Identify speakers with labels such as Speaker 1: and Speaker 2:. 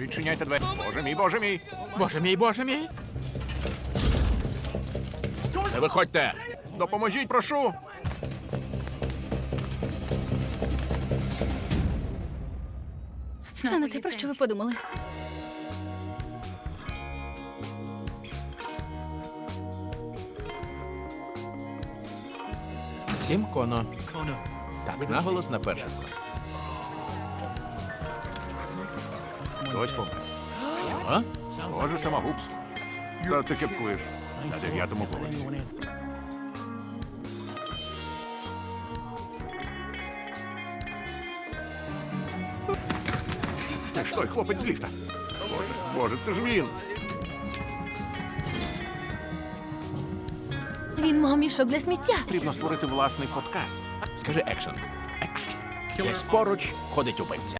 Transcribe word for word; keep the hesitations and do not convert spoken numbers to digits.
Speaker 1: Відчиняйте двері. Боже мій, боже мій.
Speaker 2: Боже мій, боже мій.
Speaker 1: Не виходьте. Допоможіть, прошу.
Speaker 3: Це не те, про що ви подумали.
Speaker 2: Тім Коно. Так, наголос на перше.
Speaker 1: Хтось помер.
Speaker 2: Що?
Speaker 1: Схоже, самогубство. Та ти кепкуєш. На дев'ятому поверсі. Це ж той хлопець з ліфта. Боже, боже, це ж він.
Speaker 3: Він мав мішок для сміття.
Speaker 1: Потрібно створити власний подкаст.
Speaker 2: Скажи екшен. Екшен. Десь поруч ходить убивця.